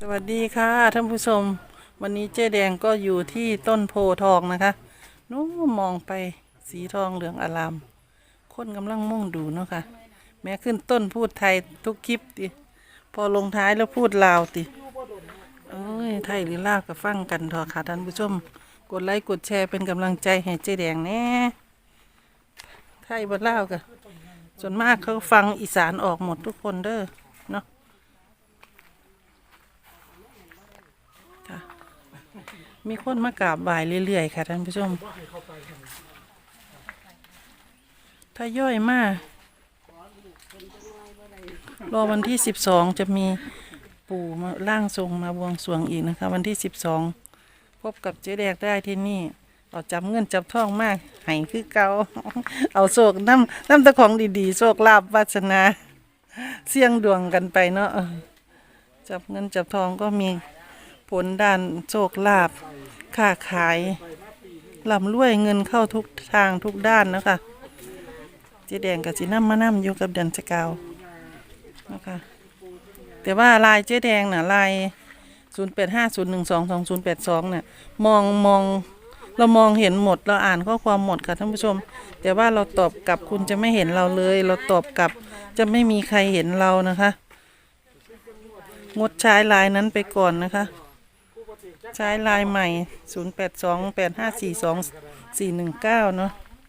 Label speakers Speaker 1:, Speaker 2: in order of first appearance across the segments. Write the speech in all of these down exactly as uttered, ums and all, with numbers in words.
Speaker 1: วัสดีค่ะท่านผู้ชมวันนี้เจ๊แดงก็อยู่ที่ต้นโพทองนะคะนู้มองไปสีทองเหลืองอารามคนกำลังมุ่งดูเนาะค่ะแม้ขึ้นต้นพูดไทยทุกคลิปติพอลงท้ายแล้วพูดลาวติเอ้ยไทยหรือลาวก็ฟังกันเถอะค่ะท่านผู้ชมกดไลค์กดแชร์เป็นกำลังใจให้เจ๊แดงแน่ไทยบ่ลาวก็ส่วนมากเขาฟังอีสานออกหมดทุกคนเด้อเนาะมีคนมากราบไหว้เรื่อยๆค่ะท่านผู้ชมถ้าย่อยมากรอวันที่สิบสองจะมีปู่มาร่างทรงมาบวงสรวงอีกนะคะวันที่สิบสองพบกับเจ๊แดงได้ที่นี่เอาจับเงินจับทองมากให้คือเก่าเอาโชคน้ำน้ำตะของดีๆโชคลาภวาสนาเสี่ยงดวงกันไปเนาะจับเงินจับทองก็มีผลด้านโชคลาภค้าขายร่ำรวยเงินเข้าทุกทางทุกด้านนะคะเจ๊แดงกับจีน้ำมาน้ำอยู่กับเดือนสกาวนะคะแต่ว่าลายเจ๊แดงน่ะลายศูนย์แปดห้าศูนย์หนึ่งสองสองศูนย์แปดสองเนี่ยมองมองเรามองเห็นหมดเราอ่านข้อความหมดค่ะท่านผู้ชมแต่ว่าเราตอบกลับคุณจะไม่เห็นเราเลยเราตอบกลับจะไม่มีใครเห็นเรานะคะงดใช้ลายนั้นไปก่อนนะคะใช้ลายใหม่ศูนย์ แปด สอง แปด ห้า สี่ สอง สี่ หนึ่ง เก้าเนาะ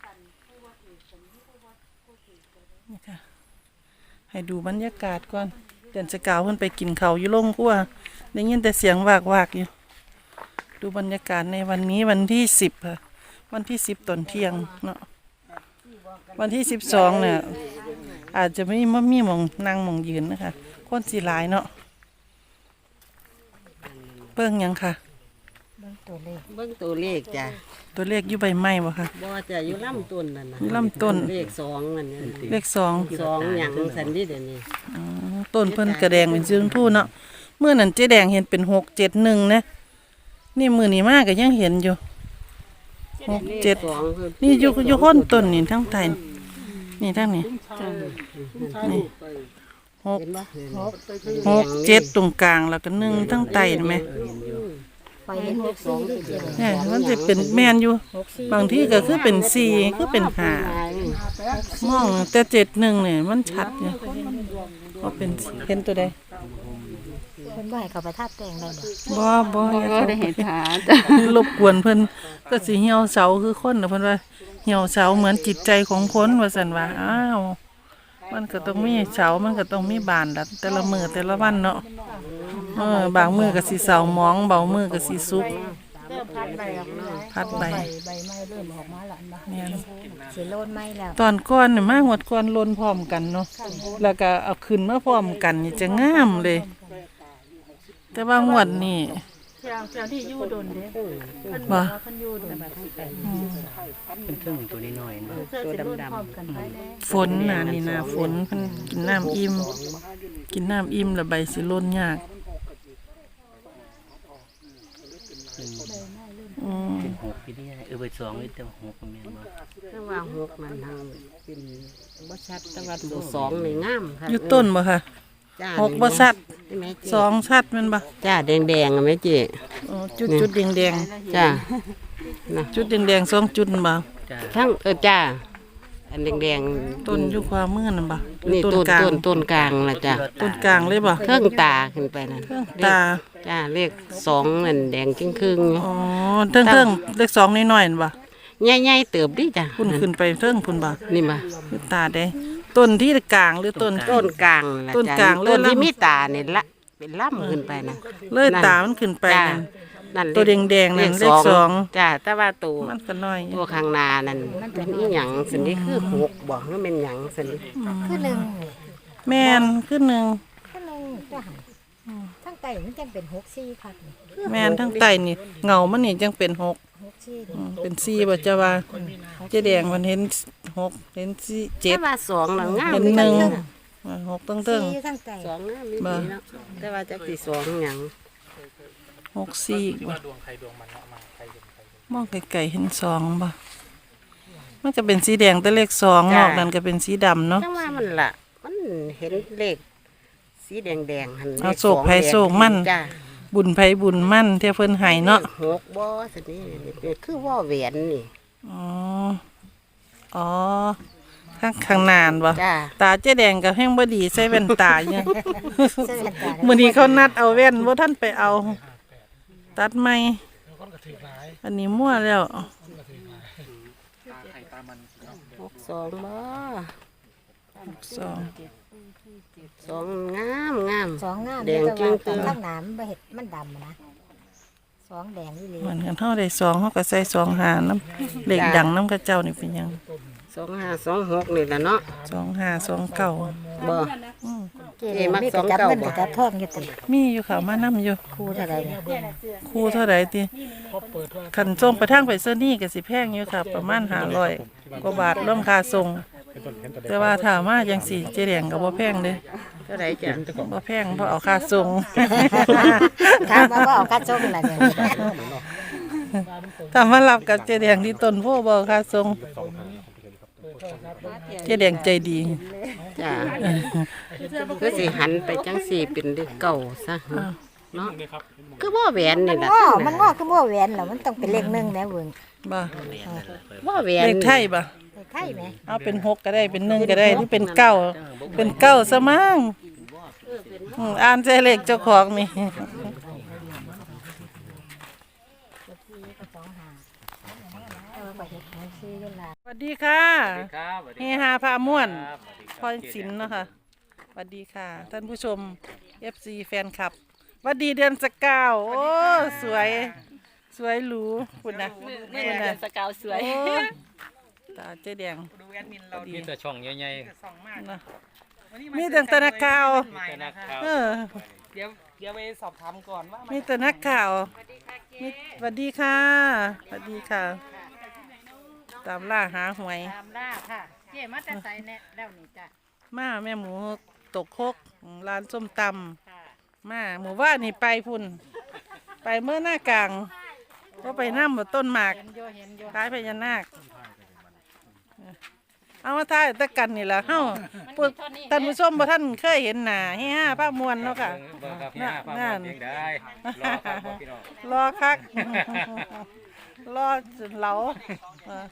Speaker 1: นี่ค่ะให้ดูบรรยากาศก่อนเดือนสกาวเพิ่นไปกินเขาอยู่ลงกั้วได้ยินแต่เสียงวากวากอยู่ดูบรรยากาศในวันนี้วันที่สิบค่ะวันที่สิบตอนเที่ยงเนาะวันที่สิบสองเนี่ยอาจจะไม่ไม่มีหมองนั่งหมองยืนนะคะคนสีหลายเนาะเบิ่งยังค่ะ
Speaker 2: เบิ่งตัวเลขเบิ่งตัวเลขจ้ะ
Speaker 1: ตัวเลขอยู่ใบไม้บ่ค่ะ
Speaker 2: บ่จะอยู่ลำต้นนั่นน่ะ
Speaker 1: อยู่ลำต้น
Speaker 2: เลขสองนั่นนี่
Speaker 1: เลขสอง
Speaker 2: สองหยังสันดิเดี๋ยวนี้
Speaker 1: อ๋อต้นเพิ่นกระแดงเป็นสีชมพูเนาะเมื่อนั้นเจ๊แดงเห็นเป็นหกเจ็ดหนึ่งนะนี่มือนี้มากก็ยังเห็นอยู่หกเจ็ดนี่อยู่อยู่ค้นต้นนี่ทั้งไทยนี่ทั้งนี้นี่หกหกเจ็ดตรงกลางแล้วก็หนึ่งทั้งไตเห็นไหมเนี่ยมันจะเป็นแมนอยู่บางที่ก็คือเป็นสี่คือเป็นห้ามองแต่เจ็ดหนึ่งเนี่ยมันชัดเนี่ยก็เป็นเห็นตัวใด
Speaker 3: เพิ่นบ่ให้เขาประทับแต่งได้
Speaker 1: บ่บ่
Speaker 3: บ่ได้เห็นห
Speaker 1: ารบกวนเพิ่นก็สิเหี่ยวเสาคือคนน่ะเพิ่นว่าเหี่ยวเสาเหมือนจิตใจของคนว่าซั่นว่าอ้าวมันก็ต้องมีเสามันก็ต้องมีบานละแต่ละมื้อแต่ละวันเนาะเออบางมื้อก็สิเสาหมองบางมื้อก็สิสุก
Speaker 3: พัดใบออกมา
Speaker 1: พัดใบ
Speaker 3: ใบไม้เริ่มออกมาแล้วนะแม่นสิโลนไม้แล้ว
Speaker 1: ตอนก่อนนี่มาหวดก่อนโลนพร้อมกันเนาะแล้วก็เอาขึ้นมาพร้อมกันนี่จะงามเลยแต่ว่างวดนี่
Speaker 3: เจ้าเจ้าที่อยู่ดนเด้เพิ่น
Speaker 1: บ่
Speaker 3: เพิ่นอยู่ดน
Speaker 2: เป็นพึ่งตัวน้อยๆเนาะตัวดำ
Speaker 1: ๆฝนน่ะนี่นะฝนเพิ่นกินน้ำอิ่มกินน้ำอิ่มแล้วใบสิหล่นยากอืม
Speaker 2: เป็นหกพี่นี่เออใบสองนี่แต่หกแม่นบ่แต่ว่าหกมันทางเป็นบ่ชัดแต่ว่าตัวสองนี่งามค่ะ
Speaker 1: อยู่ต้นบ่ค่ะหกบ่ชัดสองชัดแม่นบ่
Speaker 2: จ้าแดงๆอ่ะแม่เจ๊
Speaker 1: อ๋อจุดๆแดง
Speaker 2: ๆจ้า
Speaker 1: นะจุดแดงๆสองจุดบ่
Speaker 2: ทั้งเออจ้าอันแดง
Speaker 1: ๆต้นอยู่ขวามือนั่นบ่
Speaker 2: นี่ต้นต้นต้นกลางล่ะจ้า
Speaker 1: ต้นกลางเลยบ่
Speaker 2: เทิงตาขึ้นไปนั่น
Speaker 1: เทิงตา
Speaker 2: จ้าเลขสองนั่นแดงครึ่ง
Speaker 1: ๆอ๋อเทิงๆเลขสองน้อยๆนั่นบ่
Speaker 2: ใหญ่ๆเติบดิจ้ะ
Speaker 1: พุ่นขึ้นไปเทิงพุ่นบ่
Speaker 2: นี่บ่
Speaker 1: ตาแดงต้นที่กลางหรือต้น
Speaker 2: ต้นกลางล่ะ
Speaker 1: ต้นกลาง
Speaker 2: ต้นที่มีตานี่ละเป็นล่ำขึ้นไปนะ
Speaker 1: เลยตามันขึ้นไปนั่นตัวแดงๆนั่นเลขสอง
Speaker 2: จ้าแต่ว่าตัว
Speaker 1: มันก็น้อย
Speaker 2: ตัวข้างหน้านั่นมันอีหยังสันนี้คือหกบ่ว่าเป็นหยังสันนี้
Speaker 3: คือหนึ่ง
Speaker 1: แม่นคือหนึ่ง
Speaker 3: คือหนึ่งจ้ะทั้งไตมันจังเป็นหกสี่ค่ะ
Speaker 1: แม่นทั้งไตนี่เงามันนี่จังเป็นหกเป็นสี่บ่จ้าว่าเจ๊แดงมันเห็นหกเห็นสี่เจ็ด
Speaker 2: แต่ว่าสองงาม
Speaker 1: เห็นหนึ่งหกตั้งตั้ง
Speaker 2: สองงามนี่เนาะแต่ว่าจักสิสองหยัง
Speaker 1: หกสี่มองไกลๆเห็นสองบ่มันก็เป็นสีแดงแต่เลขสองนอกนั้นก็เป็นสีดำเนาะ
Speaker 2: จังว่ามันล่ะมันเห็นเลขสีแดงๆหั่น
Speaker 1: เอาโศกไผโศกมันบุญไผบุญมั่นเที่ยเพิ่นให้เนาะ
Speaker 2: หกบ่สินี่นี่คือว่าแหวนนี่
Speaker 1: อ๋ออ๋อข้างข้างหนานบ่
Speaker 2: จ้า
Speaker 1: ตาเจ๊แดงก็แห้งบ่ดีใส่แว่นตาอยู่
Speaker 3: เสื้อตา
Speaker 1: มื้อนี้เขานัดเอาแว่นบ่ทันไปเอา ตัดใหม่อันนี้มั่วแล้ว
Speaker 2: หกสองบ่
Speaker 1: สอง
Speaker 2: สองงามงาม
Speaker 3: สองงาม
Speaker 2: แดง
Speaker 3: แต่
Speaker 2: จึ้
Speaker 3: ว่าง
Speaker 2: ตึง
Speaker 3: ข้างหน้ามันบ่เห็ดมันดำนะสองแดงนี่เลย
Speaker 1: เหมือนกันเฮาได้สองเฮาก็ใส่สองหาน้ำเลขดังน้ำกระเจ้านี่เป็นหยัง
Speaker 2: สองห้าสองหกนี่แหละเนาะ
Speaker 1: สองห้าสองเก้า
Speaker 2: บ่
Speaker 3: เจ๊มักสองเก้าบ่จับทองอยู่ติ
Speaker 1: มีอยู่ค่ะมานํอยู่
Speaker 3: ครูเท่าไหร่เนี่ย
Speaker 1: ครูเท่าไหร่ติคันส่งไปทางไปเซอร์นี่ก็สิแพงอยู่ค่ะ ประมาณห้าร้อยกว่าบาทรวมค่าส่ง แต่ว่าถ้ามาจังสี่เจ๊แดงก็บ่แพงเด้
Speaker 2: เท่าไหร่จ้ะ
Speaker 1: บ่แพงเพราะเอาค่าส่ง
Speaker 3: ถามว่าบ่เอาค่าส่งล่ะเนี่ย
Speaker 1: ถ้ามารับกับเจ๊แดงที่ต้นโพบ่เอาค่าส่งเจ๊แดงใจดี
Speaker 2: จ้าคือสิหันไปจังสี่เป็นเลขเก่าซะเนาะคือว่าแหวนนี่แหละ
Speaker 3: ง้อมันง้อคือบ่แหวนล่ะมันต้องเป็นเลขหนึ่งแหม่เบิ่ง
Speaker 1: บ่
Speaker 2: ว่าแหวน
Speaker 1: เลขไทยบ่
Speaker 3: เลขไทยแหม
Speaker 1: เอาเป็นหกก็ได้เป็นหนึ่งก็ได้หรือเป็นเก้าเป็นเก้าซะมั้งอืมอ่านใจเลขเจ้าของนี่
Speaker 3: เออบ่เฮ็ดให้ซื้อเวลา
Speaker 1: สวัสดีค่ะ
Speaker 4: ครับ
Speaker 1: เฮฮาพาม่วนพรศิลป์เนาะค่ะสวัสดีค่ะ ท่านผู้ชม เอฟ ซี แฟนคลับสวัสดีเดือนสกาวโอ้สวยสวยหรูคุณนะ
Speaker 5: นี่แหละเดือนสกาวสวย
Speaker 1: โอ้ตาเจ๊แดง
Speaker 4: มีแต่ช่องใหญ่
Speaker 1: นะมีแต่ตะนักข่าว
Speaker 4: ๆแต่นักข่าว
Speaker 1: เออ
Speaker 6: เดี๋ยวเดี๋ยวไปสอบถามก่อนว่ามัน
Speaker 1: มีแต่นักข่าวมีสวัสดีค่ะสวัสดีค่ะ ตามล่าหาหวย
Speaker 3: ตามล่าค่ะเจ๊มาแต่ไสแน่แล้วนี่จ้ะ
Speaker 1: มาแม่หมูตกคกร้านส้มตำมาหมู่ว่านนี่ไปพุ่น ไปเมื่อหน้ากลางก็ไปนั่งบนต้นหมากท้ายพญานาคเอามาท้ายตะกันนี่แหละเฮ้าพวกท่านผู้ชมบ่ท่านเคยเห็นหน้าเฮ้ห้าภาพมวลเนาะค่ะ
Speaker 4: เบิ่งครับเนี่ยภาพมันเพียงได้รอครับพ่อพี่น้อง
Speaker 1: รอคัก รอจนเหลาเออ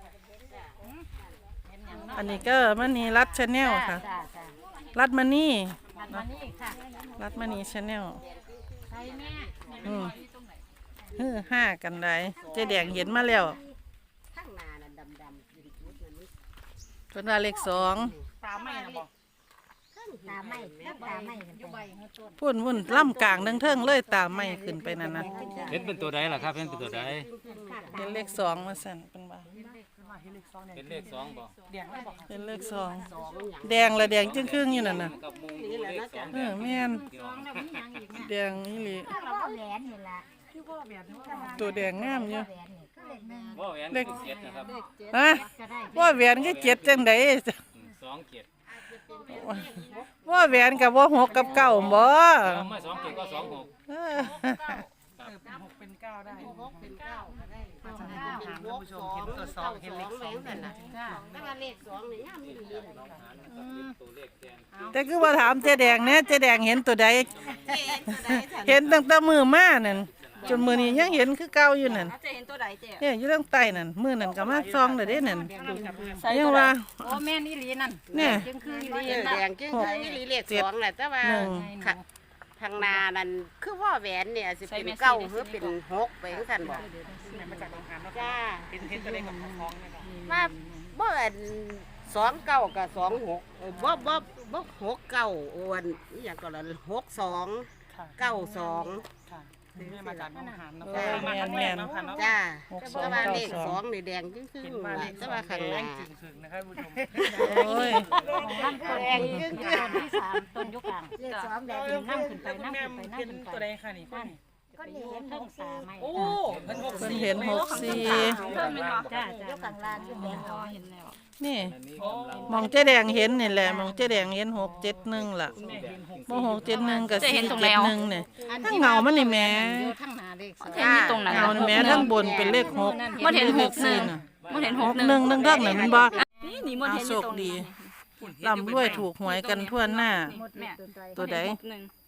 Speaker 1: อันนี้ก็มันนี่รัดชาแนลค่ะ
Speaker 3: จ้าจ้า
Speaker 1: รัดมานี่
Speaker 3: มานี่ค่ะ
Speaker 1: รัดมานี่ชาแนล
Speaker 3: ใช่แม่
Speaker 1: อืมฮือห้ากันได้เจ๊แดงเห็นมาแล้ว
Speaker 2: ข้างหน้าน่ะดำๆเป็นจุดนั้น
Speaker 1: เป็นว่าเลขสอง
Speaker 6: ตามไม่นะบอก
Speaker 3: ตาไม่ตาไม่กันไป
Speaker 1: พุ่นพุ่นล่ำกลางเทิงๆเลยตามไม่ขึ้นไปนั่นนะ
Speaker 4: เห็นเป็นตัวใดล่ะครับเห็นเป็นตัวใด
Speaker 1: เป็นเลขสองมาสั่นเป็นว่า
Speaker 4: เป็นเลขสองบ่
Speaker 6: เดียงไม่บอก
Speaker 1: เป็นเลขสองแดงละแดงจึงครึ่งๆอยู่นั่นน่ะ
Speaker 4: กับมุงดูเลขสอง
Speaker 1: เออแม่น
Speaker 4: พี่น้อง
Speaker 1: แดงนี่หลี
Speaker 3: เราก็แหวนนี่ล่ะ
Speaker 1: ตัวแดงงามอยู่
Speaker 3: แหวนนี่ก็เลขหนึ่ง
Speaker 4: ว่าแหวนเป็นเจ็ดนะครับ
Speaker 1: ฮะว่าแหวนก็เจ็ดจังได
Speaker 4: สองเจ็ด
Speaker 1: ว่าแหวนกับว่าหกกับเก้าบ่
Speaker 4: แล้วมาสองเจ็ดก็สองหก
Speaker 1: เออ
Speaker 6: เออเป็นหกเป็นเก้าได้
Speaker 2: เป็นเก้าก็ได้
Speaker 6: มาจากถามท่านผู้ชมเห็นตัวสองเห็นเลขสอง
Speaker 2: นั่นน่ะแต่ว่าเลขสองนี่ยามมีดี
Speaker 4: ตัวเลขแทน
Speaker 1: แต่คือว่าถามเจ๊แดงเนี่ยเจ๊แดงเห็นตัวใดเห็นตั้งแต่มือมานั่นจนมือนี้ยังเห็นคือเก่าอยู่นั่น
Speaker 5: จะเห็นตัวใดเจ๊
Speaker 1: เนี่ยอยู่ตั้งใต้นั่นมือนั่นก็มาซองเลยเด้นั่น
Speaker 5: ใส่
Speaker 1: ยั
Speaker 5: ตั
Speaker 1: ง
Speaker 5: วใด
Speaker 1: ว่า
Speaker 5: โอ้แม่นี่ลีนั่น
Speaker 1: เนี่ย
Speaker 5: จึงคืออี
Speaker 2: เอ
Speaker 5: ลี
Speaker 2: อ
Speaker 5: นั่น
Speaker 2: แดงจึงคือมีเลขสองแหละแต่ว่า
Speaker 1: หนึ่ง
Speaker 2: ค่ะทางนานั่นคือว่าแหวนเนี่ยสิเป็นเก้าหรือเป็นหกไปจังซั่นบ่
Speaker 6: มาจากโรงงานเนาะ
Speaker 2: จ้า
Speaker 6: เห็นเห็นตัวเลขกับท้องเนี่ยครับ
Speaker 2: ว่าบ่อันสองเก้ากับสองหกเออบ่บ่บ่หกเก้าโอนอหย่างก็ละหกสอง
Speaker 6: ค่ะ
Speaker 2: เก้าสอง
Speaker 6: ค่ะแม่มาจากโรงงานเนาะ
Speaker 1: เออ
Speaker 6: มา
Speaker 1: แม่
Speaker 6: ครั้
Speaker 1: น
Speaker 6: งแร
Speaker 1: แม่
Speaker 6: ก
Speaker 1: น
Speaker 6: เนาะค่ะเนาะ
Speaker 2: จ้า
Speaker 1: หกสอง
Speaker 2: แต่ว่า
Speaker 1: เก้า
Speaker 2: เลข
Speaker 1: สอง
Speaker 2: สองนี่แดงจึงคือ
Speaker 6: เห็นว่าเลข
Speaker 2: แต่ว่าข้างห
Speaker 6: แด
Speaker 2: น้าง
Speaker 6: จริงถึงนะครับผู้ชม
Speaker 1: โอ้ย
Speaker 2: แดงจึงคือ
Speaker 3: ต้นที่สามต้นยุกลางเลขสองแดงนั่งขึ้นไปนั่ง
Speaker 6: แม่
Speaker 3: ขึ้นไปนั่ง
Speaker 6: เห็น
Speaker 3: ขึ้น
Speaker 6: ตัว
Speaker 3: ไป
Speaker 6: ใดค่ะนี่คนนี้
Speaker 3: ก็นี่เห็นเพิ่งตาไม่
Speaker 6: โอ้เพิ่นหก
Speaker 1: เพิ่น
Speaker 6: สี่
Speaker 1: เห็นหกสี่
Speaker 5: เพิ่มไหมคะ
Speaker 3: จ้าจ้ายกกลางล่างขึ้นแดงเอา
Speaker 5: เห็นแล้ว
Speaker 1: นี่
Speaker 4: อันนี้กำลัง
Speaker 1: มองเจ๊แดงเห็นนี่แหละมองเจ๊แดงเห็นหกเจ็ดหนึ่งล่ะ
Speaker 6: แม่เห็นหก
Speaker 1: โมหกเจ็ดหนึ่งกับ
Speaker 5: จะ
Speaker 1: สี่
Speaker 5: เห็นตรง
Speaker 1: เจ็
Speaker 5: แล้
Speaker 1: ด
Speaker 5: ว
Speaker 1: หนึ่งเนี่ยทั้งเงามันนี่แหม่
Speaker 3: อยู่ข้างหน้าเลขสอง
Speaker 5: เห็นอยู่ตรงนั้น
Speaker 1: เงานี่แหม่ทั้งบนเป็นเลขหก
Speaker 5: มันเห็นหกหนึ่ง
Speaker 1: น่ะ
Speaker 5: มันเห็นห
Speaker 1: ห
Speaker 5: ก
Speaker 1: ก
Speaker 5: ห
Speaker 1: ห
Speaker 5: นึ่
Speaker 1: นึ่
Speaker 5: ง
Speaker 1: งหนึ่งเท่านั้นมันบ่
Speaker 5: นี่นี่มัน
Speaker 1: เอา
Speaker 5: เห็นอ
Speaker 1: โช
Speaker 5: ยู่
Speaker 1: ค
Speaker 5: ตรง
Speaker 1: ดี
Speaker 5: นี้
Speaker 1: ลำด้วยถูกหวยกันทั่วหน้า
Speaker 5: แม่
Speaker 1: ตัวใด
Speaker 5: หกหนึ่ง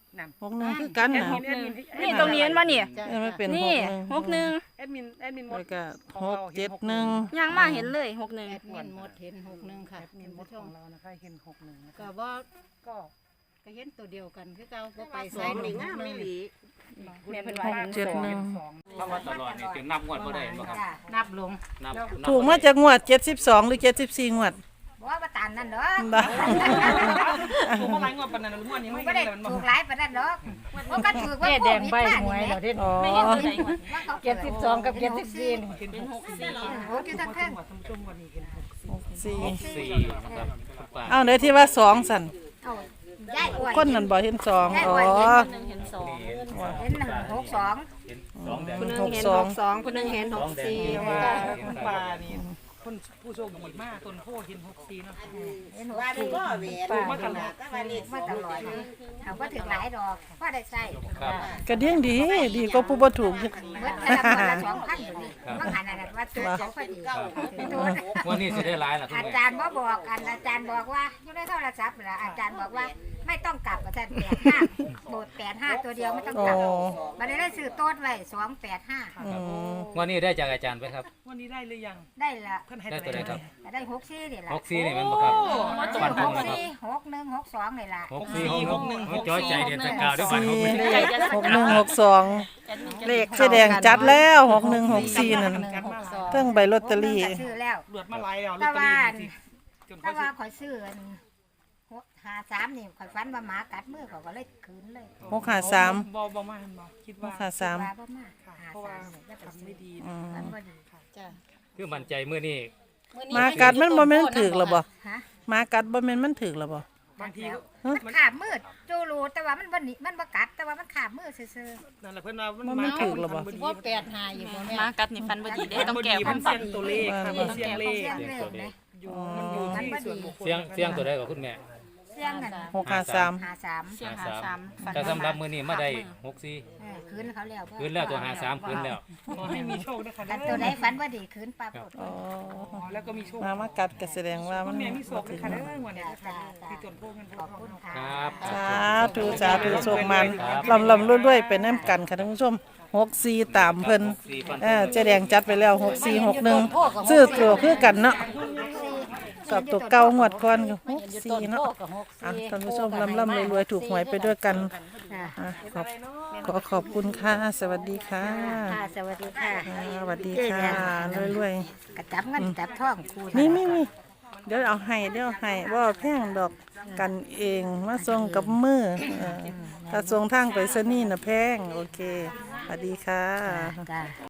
Speaker 6: นั่น
Speaker 1: หกหนึ่งคือกัน
Speaker 6: แอด
Speaker 1: นะ
Speaker 6: มินแอดมิน
Speaker 5: นี่ตรงนี้เห็นบ่นี่
Speaker 1: เออไม่เป็น
Speaker 5: นี่
Speaker 1: ห
Speaker 5: ห
Speaker 1: ก
Speaker 5: ก
Speaker 1: ห
Speaker 5: ห
Speaker 1: นึ่
Speaker 5: นึ่
Speaker 1: ง
Speaker 5: ง
Speaker 6: แอดมินแอดมินหมด
Speaker 1: แล้วก็หกเจ็ดหนึ่ง
Speaker 5: ย่างมาเห็นเลยหกหนึ่ง
Speaker 3: แอดมินหมดเห็นหกหนึ่งค่ะ
Speaker 6: แอดมินหมดของเรานะคะเห็นหกหนึ่งนะ
Speaker 3: ก็
Speaker 6: คะ
Speaker 3: บ่
Speaker 6: ก็
Speaker 3: ก็เห็นตัวเดียวกันคือเก่าบ่ไป
Speaker 2: ส
Speaker 3: ใส่
Speaker 2: อง
Speaker 3: ห
Speaker 2: นี่
Speaker 3: นึ่ง
Speaker 2: งามไม่หลี
Speaker 5: แม่เป็น
Speaker 1: หกเจ็ดหนึ่ง
Speaker 6: สอง
Speaker 4: ถ้าว่าตลอดนี่จะนับงวดบ่ได้บ่ครับ
Speaker 3: นับลง
Speaker 4: นับนับ
Speaker 1: ถูกมาจากงวดเจ็ดสิบสองหรือเจ็ดสิบสี่งวด
Speaker 3: บ่ว่าตามนั่นเด้อ
Speaker 1: บ้า
Speaker 6: ถูกเมื่อไหร่งวดปานนั้นงวดนี้
Speaker 3: มั
Speaker 6: ไม่
Speaker 3: นบ่
Speaker 6: ได้
Speaker 3: ได้
Speaker 6: เลยมัน
Speaker 3: ถูกหลายปานนั้นดอกมันก็ถูกว่า
Speaker 7: แม่แดงใบหวย
Speaker 3: เหร
Speaker 7: เรา
Speaker 3: อ
Speaker 7: เด่น
Speaker 1: อ๋อ
Speaker 5: ไม่เห็นตัวไหน
Speaker 7: เจ็ดสิบสองกับเจ็ดสิบสี่
Speaker 5: เป็นหกสี่
Speaker 3: โอ้ยทั้งเครื่อง
Speaker 6: ท่านผู้ชมวันนี้เห็นหกสี่
Speaker 1: สี่
Speaker 4: สี่นะครับทุกป่า
Speaker 1: เอาเดี๋ยวที่ว่าสองสัน
Speaker 3: เอาย้ายอ้วน
Speaker 1: คนนั้นบอกเห็นสองอ๋อ
Speaker 5: หนึ่งเห็นสอง
Speaker 3: เห็นหนึ่งหกสอง
Speaker 4: เห็นสองแดง
Speaker 5: คนหนึ่ง
Speaker 1: หก
Speaker 5: เห็น
Speaker 1: ส
Speaker 5: ห
Speaker 1: อง
Speaker 5: กสองคนหนึ่งเห็นหกสี่
Speaker 6: แต่ว่าคุณปานี่คนผู้โชคดีมากต้นโพเห็นหกสี่เนาะ
Speaker 3: เห็นหก
Speaker 2: ว่าได้
Speaker 3: สี่
Speaker 2: ก็เวร
Speaker 6: มาตลอด
Speaker 2: ก็ว่าเลข
Speaker 3: มาตลอดเลยเอาว่าถึงหลายดอกว่าได้ใส่
Speaker 4: ครับ
Speaker 1: กระเดียงดี ดีก็ผู้บ่ถูก
Speaker 3: เมื่อแต่ละคนละสองพันอยู่นี่ว่าหันอะไรว่าตัวสองพันดีตัว
Speaker 4: วันนี้สิได้หลายล่ะคุณ
Speaker 3: อา
Speaker 4: แม่
Speaker 3: จารย์ว่าบอกอันอาจารย์บอกว่าอยู่ในโทรศัพท์เหรออาจารย์บอกว่าไม่ต้องกลับอาจารย์แปดห้าโบดแปดห้าตัวเดียวไม่ต้อง
Speaker 1: อ๋
Speaker 3: ก
Speaker 1: อ
Speaker 3: ลับมันได้ซื้อโต๊ดไว้สองแปดห้า
Speaker 1: อืม
Speaker 4: วันนี้ได้จากอาจารย์ไปครับ
Speaker 6: วันนี้ได้หรือยัง
Speaker 3: ได้ละ
Speaker 6: เพิ่นให้
Speaker 4: ได้ตัวใดครับ
Speaker 3: ได้หกสี่นี่ละ
Speaker 4: หกสี่นี่แมันบ่ครับ
Speaker 3: ซื้
Speaker 4: ฟั
Speaker 3: อน ห
Speaker 4: ธง
Speaker 3: ก
Speaker 4: นะครับ
Speaker 3: สี่หกหนึ่งหกสองนี่ละ
Speaker 4: หกสี่หกหนึ่งหกจ้อยใจเด็ดแต่กล่าวด้วยบัตรห
Speaker 1: สี่
Speaker 4: กหนึ่ง
Speaker 1: หกหนึ่งหกสองเลขแสดงจัดแล้วหกหนึ่งหกสี่นั่น
Speaker 6: กันมาหลาย
Speaker 1: เทั้งใบลอตเตอรี่
Speaker 3: หกหนึ่งก็ซื้อแล้ว
Speaker 6: เลือดมาหลายแล้วลอ
Speaker 3: แต่
Speaker 6: ตเตอ
Speaker 3: ว่า
Speaker 6: รี่นี่สิจน
Speaker 3: แต่
Speaker 6: เขา
Speaker 3: ว่า
Speaker 6: สิ
Speaker 3: ข่อยซื้ออันหกห้าสามนี่ข่อยฟันว่าหมากัดมือเขาก็เลยคืนเลย
Speaker 1: หกห้าสาม
Speaker 6: บ่บ่มาบ่คิด
Speaker 1: ห
Speaker 6: ว่าก
Speaker 1: ห้าสาม
Speaker 3: ว่าบ่มา
Speaker 6: ค่ะ
Speaker 3: หา
Speaker 6: เพราะว่า
Speaker 3: สามเนี่ยจะไป
Speaker 6: ทำ
Speaker 3: ซื้
Speaker 6: ไม่
Speaker 3: อ
Speaker 6: ดี
Speaker 1: อืม
Speaker 3: มันบ่ดี
Speaker 5: จ้ะ
Speaker 4: คือมั่นใจมื้อนี้
Speaker 1: หมากัดมันบ่แม่นถึกหรอบ่
Speaker 3: ฮะ
Speaker 1: หมากัดบ่แม่นมันถึกหรอบ่
Speaker 6: บางทีก็
Speaker 3: มันขาบมืดจูรูแต่ว่ามันบ่หนีมันบ่กัดแต่ว่ามันขาบมืดซื่อ
Speaker 6: นั่นแหละเพิ่นว่ามัน
Speaker 1: มันไม่ถูกหรอบ่
Speaker 6: มันดี
Speaker 7: ว่าแปดหาอยู่บ่แม่
Speaker 5: มากัดนี่ฟันบ่ดีได้ต้องแก้
Speaker 6: มั
Speaker 5: ความ
Speaker 6: น
Speaker 5: ฝั
Speaker 6: เสี
Speaker 5: น
Speaker 6: ยงตัวเลขค่ะมันเสียงเล
Speaker 3: ๆ
Speaker 6: ข
Speaker 3: เสียงเล่นนะ
Speaker 6: อยู่มันอยู่ที่ส่วนบุคคล
Speaker 4: เสียงเสียงตัวใดกับคุณแม่
Speaker 3: เสียงนั่น
Speaker 1: หกห้าสาม
Speaker 3: หาสาม
Speaker 5: เสียงหาสามฝัน
Speaker 4: ถ้าสำหรับมื้อนี้มาได้หกสี่
Speaker 3: เออคืนเขาแล้ว
Speaker 4: คืนแล้วตัวหาสามคืนแล้ว
Speaker 6: ขอให้มีโชคนะคะ
Speaker 3: แต่ตัวใดฝันว่าดีคืนปลาปด
Speaker 1: อ๋อ
Speaker 6: อ๋อแล้วก็มีโชค
Speaker 1: หมามากัดก็แสดงว่ามั
Speaker 6: คุ
Speaker 1: น
Speaker 6: ณแม่มีโชค
Speaker 1: บ่
Speaker 6: นะ
Speaker 1: ถึง
Speaker 6: คะเด้อวันนี้นะคะที่ต้นโพเงินโพ
Speaker 3: ขอบ
Speaker 6: ทอ
Speaker 3: คุ
Speaker 6: ง
Speaker 3: ณค่ะ
Speaker 4: ครับ
Speaker 1: สาธุสาธุโชคมันลำลำรวยๆไปน้ำกันค่ะท่านผู้ชมหกสี่ตามเพิ่น
Speaker 4: สี่ฟัน
Speaker 1: เออเจ๊แดงจัดไปแล้วหกสี่หกหนึ่งซื้อตัวคือกันเนาะสอบตัวเก่างวดก่อนก็หกสี่เนาะอ่ะท่านผู้ชมลำลำรวยๆถูกหวยไปด้วยกัน
Speaker 3: ค่ะ
Speaker 1: อ่ะขอบขอขอบคุณค่ะ สวัสดีค่ะ
Speaker 3: ค่ะสวัสดีค่ะ
Speaker 1: อ่าสวัสดีค่ะรวย
Speaker 3: กระจับเงินจับทองคู
Speaker 1: ๆนี่มีมีเดี๋ยวเอาให้เดี๋ยวเอาให้ว่าแพงดอกกันเองมาส่งกับมือเออถ้าส่งทางไปสนี่น่ะแพงโอเคสวัสดีค่ะ
Speaker 3: จ้า